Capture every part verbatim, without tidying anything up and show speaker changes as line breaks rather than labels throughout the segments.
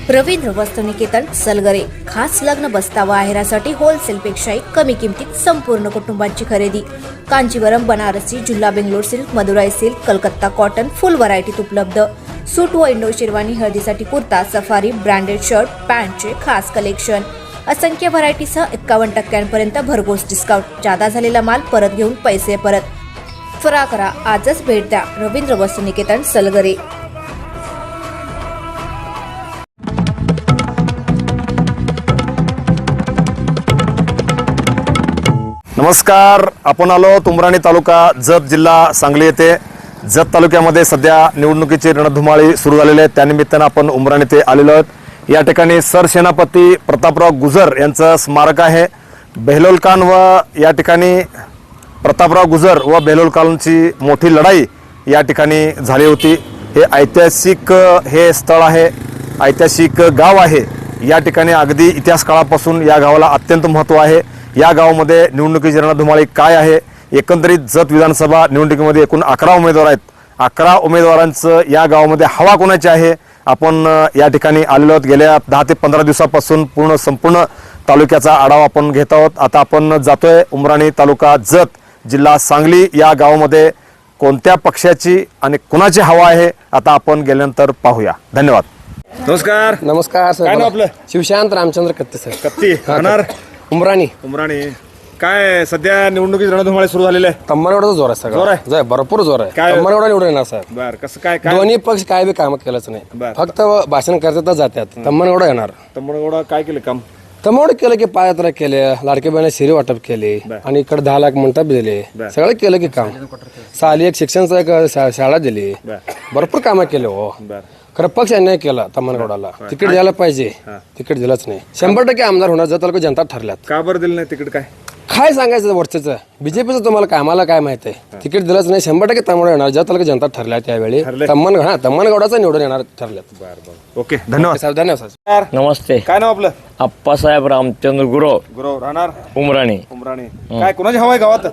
रवींद्र वस्तुनिकेतन सलगरे खास लग्न बस्तावा आहेरासाठी होलसेलपेक्षाही कमी किमतीत संपूर्ण कुटुंबाची खरेदी. कांजीवरम, बनारसी, जुल्ला Bangalore silk, Madurai silk, Calcutta cotton full व्हरायटीत उपलब्ध. सूट व इंडो शेरवानी, हळदीसाठी कुर्ता, सफारी, ब्रँडेड शर्ट, पॅन्टचे खास कलेक्शन. असंख्य व्हरायटीसह एक्कावन्न टक्क्यांपर्यंत भरघोस डिस्काउंट. जादा झालेला माल परत घेऊन पैसे परत. त्वरा करा, आजच भेट द्या रवींद्र वस्तुनिकेतन सलगरे.
नमस्कार, आपण आलो उमराणी तालुका, जत जिल्हा सांगली येथे. जत तालुक्यामध्ये सध्या निवडणुकीची रणधुमाळी सुरू झालेली आहे. त्यानिमित्तानं आपण उमराणी येथे आलेलो आहोत. या ठिकाणी सरसेनापती प्रतापराव गुजर यांचं स्मारक आहे. बेहलोल खान व या ठिकाणी प्रतापराव गुजर व बेहलोल खानची मोठी लढाई या ठिकाणी झाली होती. हे ऐतिहासिक हे स्थळ आहे, ऐतिहासिक गाव आहे. या ठिकाणी अगदी इतिहास काळापासून या गावाला अत्यंत महत्त्व आहे. या गावामध्ये निवडणुकीची रणधुमाळी काय आहे? एकंदरीत जत विधानसभा निवडणुकीमध्ये एकूण अकरा उमेदवार आहेत. अकरा उमेदवारांचं या गावामध्ये हवा कोणाची आहे? आपण या ठिकाणी आलेलो आहोत. गेल्या दहा ते पंधरा दिवसापासून पूर्ण संपूर्ण तालुक्याचा आढावा आपण घेत आहोत. आता आपण जातोय उमराणी तालुका, जत जिल्हा सांगली या गावामध्ये कोणत्या पक्षाची आणि कुणाची हवा आहे आता आपण गेल्यानंतर पाहूया. धन्यवाद. नमस्कार.
नमस्कार सर.
काय नाव आपलं?
शिवशांत रामचंद्र कत्ते सर.
कत्ती राहणार
उमराणी.
उमराणी. काय सध्या निवडणुकीची रणधुमाळी सुरू झालेली आहे?
तम्मानगडाचा जोर आहे
जोर
सगळं.
आहे?
जय भरपूर जोर आहे.
काय?
तम्मानगडा निवडून येणार सर.
बर, कसं काय काय
दोन्ही पक्ष काय बी काम केलंच नाही,
बर.
फक्त भाषण करतात जातात. तम्मानगडा येणार.
तम्मानगडा काय केलं काम?
तम्मानगड केलं की पायात्रा केले, लाडके बहिणी शिरी वाटप केले आणि इकडे दहा लाख मंडप दिले. सगळं केलं की काम. साली एक शिक्षणचं एक शा- शाळा दिली. भरपूर कामं केले हो.
बर.
खरं पक्ष अन्याय केला तम्मानगडाला. तिकीट द्यायला पाहिजे, तिकीट दिलंच नाही. शंभर टक्के आमदार होणार जर तालुका जनता ठरल्यात.
का बरं दिलं नाही तिकीट? काय
काय सांगायचं वरचं बीजेपीचं तुम्हाला काय, आम्हाला काय माहित आहे? तिकीट दिलंच नाही. शंभर टक्के तमिळनाडू येणार ज्या तालुका जनता ठरल्या त्यावेळी. तम्मन हा तम्मानगडाचा निवडून येणार ठरल्यात.
बर बर. ओके, धन्यवाद
साहेब. धन्यवाद साहेब.
नमस्ते.
काय नाव आपलं?
आप्पासाहेब रामचंद्र गुरव,
गुरव. राहणार
उमराणी.
उमराणी. काय कुणाची हवा आहे गावात?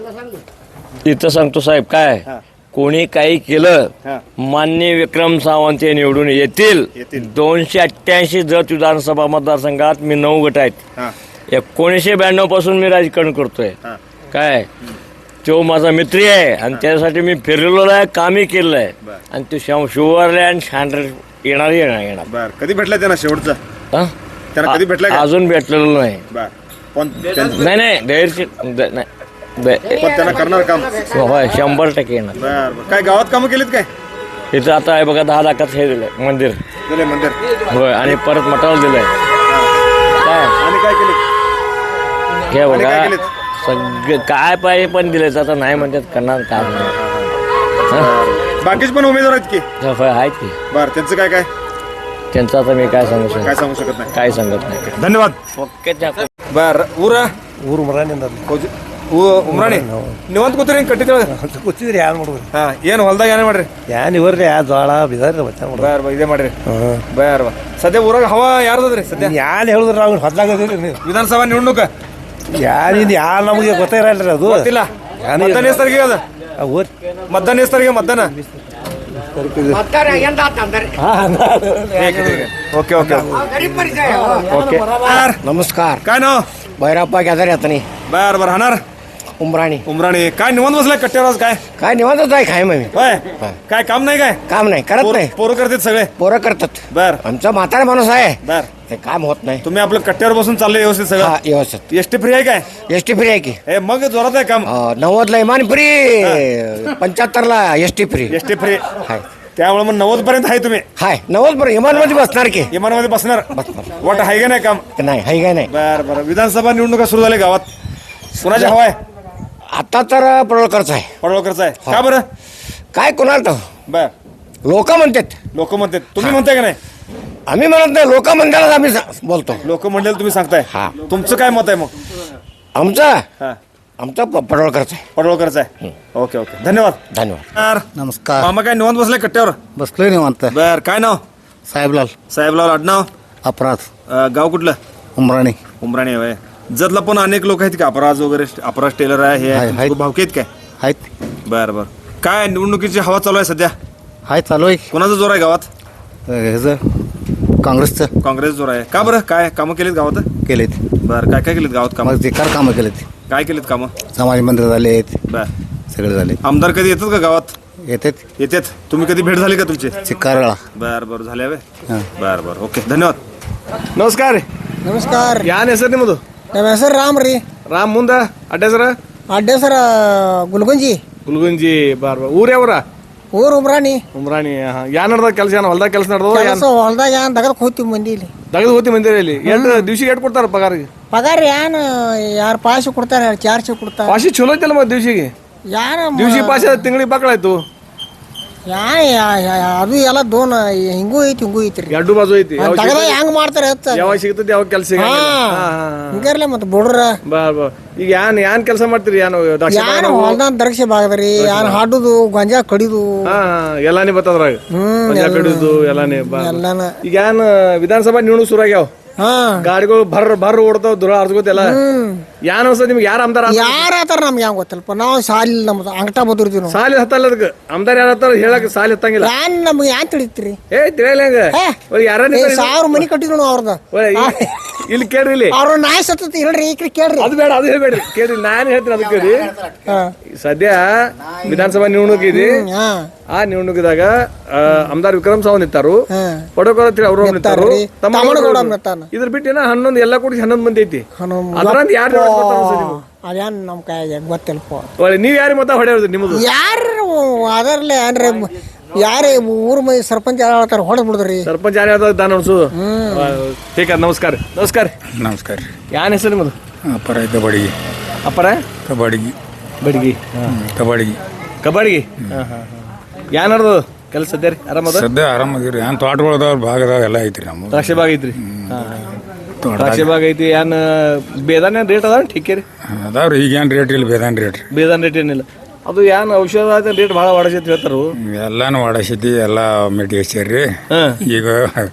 इथं सांगतो साहेब, काय कोणी काही केलं, मान्य विक्रम सावंत हे निवडून येतील. दोनशे अठ्ठ्याऐंशी जत विधानसभा मतदारसंघात मी नऊ गट आहेत. एकोणीसशे ब्याण्णव पासून मी राजकारण करतोय. काय तो माझा मित्र आहे आणि त्यासाठी मी फिरलेलो आहे, कामही केलेलं आहे. आणि तो शुअरलँड शांड्र येणार येणार येणार
बर. कधी भेटला त्यांना शेवटचा?
हं?
त्यांना कधी भेटला का?
अजून भेटलेलो नाही.
बर. पण
नाही नाही धैर्य नाही.
पण त्यांना करणार काम?
होय, शंभर टक्के येणार.
बर बर. काय गावात कामं केलीत काय?
इथं आता आहे बघा, दहा लाखात हे दिलंय मंदिर.
दिले मंदिर.
होय, आणि परत मटाला दिलंय. काय
आणि काय केले?
हे
आणि काय
बघा,
केलेत?
सगळं काय पाहिजे पण दिलंय. आता नाही म्हणतात, करणार काय नाही.
बाकीचे पण उमेदवार आहेत की?
होय, आहेत की.
बर. त्यांचं काय काय
त्यांचं आता मी काय सांगू
काय
शकतो?
सांगू शकत नाही.
काय सांगत नाही.
धन्यवाद.
ओके.
बर. ಊರ
ಊರು ಮರಾಣಿ
ಉಮ್ರಾಣಿ ನೀವಂತ ಕೂತ್ರಿ ಕಟ್ಟಿ
ಕೂತಿದ್ರಿ ಯಾರು ನೋಡ್ರಿ
ಹಾ. ಏನ್ ಹೊಲ್ದಾಗ ಏನೇ ಮಾಡ್ರಿ?
ಯಾನ್ ಇವ್ರಿ ಯಾ ಜೋಳ ಬಿದಾರಿ ಬಚ್ಚ ನೋಡ್ರಿ.
ಬರ್ ಬರ್ ಇದೇ ಮಾಡ್ರಿ. ಬರ್ ಬರ್. ಸದ್ಯ ಊರಾಗ ಹವಾ ಯಾರ್ದದ್ರಿ ಸದ್ಯ?
ಯಾನ್ ಹೇಳಿದ್ರಿ ಅವ್ನು ಹೊದ್ಲಾಗದಿರಿ ನೀವು
ವಿಧಾನಸಭಾ ನಿವಡ್ಣುಕ
ಯಾನ್ ಇದು ಯಾ ನಮಗೆ ಗೊತ್ತೇ ಇರಲ್ರಿ ಅದು.
ಗೊತ್ತಿಲ್ಲ. ಮತದಾನ ಎಷ್ಟು ತಾರೀಕಿಗೆ ಅದ?
ಊರ್
ಮತದಾನ ಎಷ್ಟು ತಾರೀಕಿಗೆ ಮತದಾನ? Okay okay okay.
नमस्कार.
काय नाव?
भैरप्पा गॅदर येत नाही.
बर बर. राहणार
उमराणी.
उमराणी. काय निवंत बसलाय कट्ट्यावर आज? काय
काय निवांतच आहे. काय मग
होय? काय काम नाही काय?
काम नाही करत नाही.
पोरं करतात सगळे?
पोरं करतात.
बर
आमचा म्हातारा माणूस आहे,
बर.
ते काम होत नाही.
तुम्ही आपलं कट्ट्यावर बसून चाललंय व्यवस्थित
हा,
सगळं?
व्यवस्थित.
एसटी फ्री आहे काय?
एस टी फ्री आहे की?
हे मग जोरात आहे काम.
नव्वद ला इमान फ्री, पंच्याहत्तर ला S T free
ST free.
Hi.
त्यामुळे मग नव्वद पर्यंत आहे तुम्ही
हाय. नव्वद पर्यंत इमान मध्ये बसणार की?
इमानामध्ये बसणार.
बसणार.
वाट आहे का नाही काम?
नाही हाय काय नाही.
बर बर. विधानसभा निवडणुका सुरू झाल्या गावात. कुणाची हवा आहे?
आता तर पडोळकरच आहे.
पडवळकरचा आहे. का बरं?
काय कोणाला तर
बर.
लोक म्हणतात.
लोक म्हणतात, तुम्ही म्हणताय का नाही?
आम्ही म्हणत नाही, लोक म्हणतात आम्ही सा- बोलतो.
लोक म्हणलेलं तुम्ही सांगताय.
हा.
तुमचं काय मत आहे मग?
आमचा
हा.
आमचा प- पडोळकरचा आहे.
पडवळकरचा आहे. Okay okay. धन्यवाद.
धन्यवाद.
नमस्कार.
मामा काय निवांत बसलाय कट्ट्यावर?
बसलोय निवांत.
बर. काय नाव?
साहेबलाल
साहेबलाल आडनाव.
अपराध
अं, गाव कुठलं?
उमराणी.
उमराणी आहे. जतला पण अनेक लोक आहेत का? अपराज वगैरे, अपराज टेलर आहे, हे
आहे,
आहे.
आहेत.
भावके आहेत काय?
आहेत.
बर बर. काय निवडणुकीची हवा चालू आहे सध्या?
हाय चालू आहे.
कोणाचा जोर आहे गावात?
ह्याचं काँग्रेसचं
काँग्रेस जोर आहे का बरं काय कामं केलीत गावात
केलेत.
बरं काय काय केलीत गावात कामं
मग ते कार कामं केलेत.
काय केलीत कामं
समाज मंदिर झाले आहेत,
बर
सगळे झाले.
आमदार कधी येतात का गावात
येतात
येतात तुम्ही कधी भेट झाली का तुमची
चिक्कारळा.
बर बर झाले हवे
ಹಾಂ.
बर बर ಓಕೆ ಧನ್ಯವಾದ ನಮಸ್ಕಾರ
ನಮಸ್ಕಾರ ರೀ.
ಯಾನ್ ಹೆಸರು ನಿಮ್ಮದು
ನಮ್ಮ ಹೆಸರು ರಾಮ್ ರೀ.
ರಾಮ್ ಮುಂದ ಅಡ್ಡ ಹೆಸರ
ಅಡ್ಡ ಹೆಸರು ಗುಲ್ಗುಂಜಿ.
ಗುಲ್ಗುಂಜಿ ಬಾರ್ ಬಾರ್ ಊರ್ ಯಾವ್ರ
ಊರು ಉಮ್ರಾಣಿ.
ಉಮ್ರಾಣಿ ಯಾನ್ ನಡ್ದ ಕೆಲಸ ಏನ್ ಹೊಲ್ದಾಗ ಕೆಲಸ ನಡ್ದವ
ಕೆಲಸ ಹೊಲ್ದಾಗ ಏನ್ ದಗದಕ್ಕೆ ಹೋಗ್ತೀವಿ ಮಂದಿ ಇಲ್ಲಿ.
ದಗದ ಹೋತಿ ಮಂದಿರ ಇಲ್ಲಿ ಎಂಟು ದಿವ್ಸಿಗೆ ಎಟ್ ಕೊಡ್ತಾರ ಪಗಾರಿಗೆ
ಪಗಾರ ಏನ್ ಯಾರು ಪಾಶಿ ಕೊಡ್ತಾರೆ, ಯಾರು ಚಾರ್ಜ್ ಕೊಡ್ತಾರೆ.
ಪಾಶಿ ಚಲೋ ಐತಲ್ಲ ಮತ್ತೆ ದಿವ್ಸಿಗೆ
ಯಾರ
ದಿವ್ಸಿ ಪಾಶಿ ತಿಂಗಳಿಗೆ ಬಾಕಳಾಯ್ತು
ಯಾನ್ ಯಾ- ಯಾ- ಅದು ಎಲ್ಲ ದೋನ್ ಹಿಂಗೂ ಐತಿ ಹಿಂಗೂ ಐತ್ರಿ.
ಎರಡು ಬಾಜು ಐತಿ ಯಾವಾಗ
ದಗದ
ಸಿಗ್ತದೆ-
ಹೆಂಗ್ ಮಾಡ್ತಾರೆ ಹಚ್ಚ
ಯಾವಾಗ ಸಿಗ್ತದೆ ಯಾವಾಗ ಕೆಲಸ
ಹಿಂಗಾರ್ಲೆ ಮತ್ತೆ ಬುಡ್ರ
ಬಾರ್ ಬಾರ್ ಈಗ ಯಾನ್ ಯಾನ್ ಕೆಲಸ ಮಾಡ್ತೀರಿ ಯಾನು ದ್ರಾಕ್ಷಿ
ಯಾನ್
ಬಾಗಾನ?
ಹೊಲ್ದಾಗ ದರ್ಶೆ ಬಾಗದ್ರಿ, ಯಾನ್ ಹಾಡುದು ಗೊಂಜಾ ಕಡಿದು
ಹಾ ಹಾ, ಎಲ್ಲಾನೇ ಬರ್ತದ್ರಾಗ
ಹ್ಮ್,
ಮಜಾ ಕಡಿದು ಎಲ್ಲಾನೇ ಬಾ-
ಎಲ್ಲಾನ.
ಈಗ ಏನ್ ವಿಧಾನಸಭಾ ನಿವಣುಕ್ ಶುರು ಆಗ್ಯಾವ
ಹಾ
ಗಾಡಿಗಳು ಭರ್ ಭರ್ ಓಡ್ತಾವ ದುರ ಅರ್ಸ್ಕೋತೆಲ್ಲ ಯಾನ್ ಅನ್ಸತ್ ನಿಮ್ಗೆ ಯಾರ ಆಮದಾರ
ಯಾರ ಆತಾರ ನಮ್ಗೆ ಹೆಂಗ್ ಗೊತ್ತಲ್ಪ. ನಾವು ಸಾಲಿ ನಮ್ದು ಅಂಗಟ ಬದುರ್ತೀವಿ ನಾವು.
ಸಾಲಿ ಹತ್ತಲ್ಲ ಅದಕ್ಕೆ ಆಮದಾರ ಯಾರ ಹತ್ತಾರ ಹೇಳಕ್ ಸಾಲಿ ಹತ್ತಂಗಿಲ್ಲ
ಯಾನ್ ನಮ್ಗೆ ಯಾನ್ ತಿಳಿತ್ರಿ.
ಏ ತಿಳಿಯಲ್ಲ ಹೆಂಗ
ಏ,
ಯಾರ
ಏ, ಸಾವಿರ ಮನಿ ಕಟ್ಟಿದ್ರು ನಾವು ಅವ್ರದ.
ಇಲ್ಲಿ ಕೇಳ್ರಿ ಇಲ್ಲಿ
ಅವ್ರ ನಾಯಿ ಸತ್ತತಿ ಹೇಳ್ರಿ ಈ ಕಡೆ ಕೇಳ್ರಿ.
ಅದು ಬೇಡ ಅದು ಹೇಳ್ಬೇಡ್ರಿ ಕೇಳ್ರಿ ನಾನು ಹೇಳ್ತೀನಿ ಅದಕ್ಕೆ ಕೇಳಿ
ಹಾ.
ಸದ್ಯ ವಿಧಾನಸಭಾ ನಿವಣುಕ್ ಇದೆ
ಹಾ.
ಆ ನಿವಣುಕಿದಾಗ ಆಮದಾರ್ ವಿಕ್ರಮ್ ಸಾವಂತ್ ನಿಂತಾರು
ಹಾ.
ಪಡೋಕರ್ ಅಂತ ಅವರು ನಿಂತಾರು
ನಿಂತಾರ್ರಿ. ತಮ್ಮನಗೌಡ ನಿಂತಾನ.
ಇದ್ರ ಬಿಟ್ಟು ಏನ ಹನ್ನೊಂದು ಎಲ್ಲಾ ಕೂಡಿ ಹನ್ನೊಂದು ಮಂದಿ ಐತಿ
ಹನ್ನೊಂದು
ಅದ್ರಂತ ಯಾರು
ಅದೇನ್ ನಮ್ ಕೈ ಗೊತ್ತಿಲ್ಪ.
ನೀವ್ ಯಾರಿಗೆ ಮತ್ತ ಹೊಡೆಯೋದು ನಿಮ್ಮದು
ಯಾರು ಅದರ್ಲೆ ಅಂದ್ರೆ ಯಾರೇ ಊರ್ ಮೈ ಸರ್ಪಂಚ್ ಯಾರು ಹೇಳ್ತಾರ ಹೊಡೆದ್ ಬಿಡುದ್ರಿ.
ಸರ್ಪಂಚ್ ಯಾರು ಹೇಳ್ತಾರೆ ದಾನ ಅನ್ಸೋದು ठीक है ನಮಸ್ಕಾರ ನಮಸ್ಕಾರ
ನಮಸ್ಕಾರ ರೀ.
ಯಾನ್ ಹೆಸರು ನಿಮ್ಮದು
ಅಪ್ಪರ ಕಬಡ್ಗಿ
ಅಪ್ಪರ
ಕಬಡ್ಗಿ
ಬಡ್ಗಿ
ಕಬಡ್ಗಿ
ಕಬಡ್ಗಿ ಯಾನ್ ನಡ್ದು ಕೆಲಸ ಸದ್ಯ ರೀ ಆರಾಮದ
ಸದ್ಯ ಆರಾಮದಿರಿ. ಏನು ತೋಟಗಳದಾವ ಭಾಗದಾಗ ಎಲ್ಲ ಐತ್ರಿ ನಮ್ಮ
ದ್ರಾಕ್ಷಿ ಬಾಗ್ ಐತ್ರಿ
ತೋಟ
ದ್ರಾಕ್ಷಿ ಬಾಗ್ ಐತಿ ಏನ್ ಬೇದಾನ ರೇಟ್ ಅದ ಠೀಕ್ ರೀ
ಅದಾವ್ರಿ ಈಗ ಏನು ರೇಟ್ ಇಲ್ಲ ಬೇದಾನ್ ರೇಟ್ ರೀ.
ಬೇದಾನ್ ರೇಟ್ ಏನಿಲ್ಲ ಅದು ಏನ್ ಔಷಧ ರೇಟ್ ಭಾಳ ವಾಡಸೈತಿ ಹೇಳ್ತಾರು
ಎಲ್ಲಾನು ವಾಡಸೈತಿ ಎಲ್ಲ ಮೆಟಿ ಹಚ್ಚಾರ್ರಿ.
ಹಾ.
ಈಗ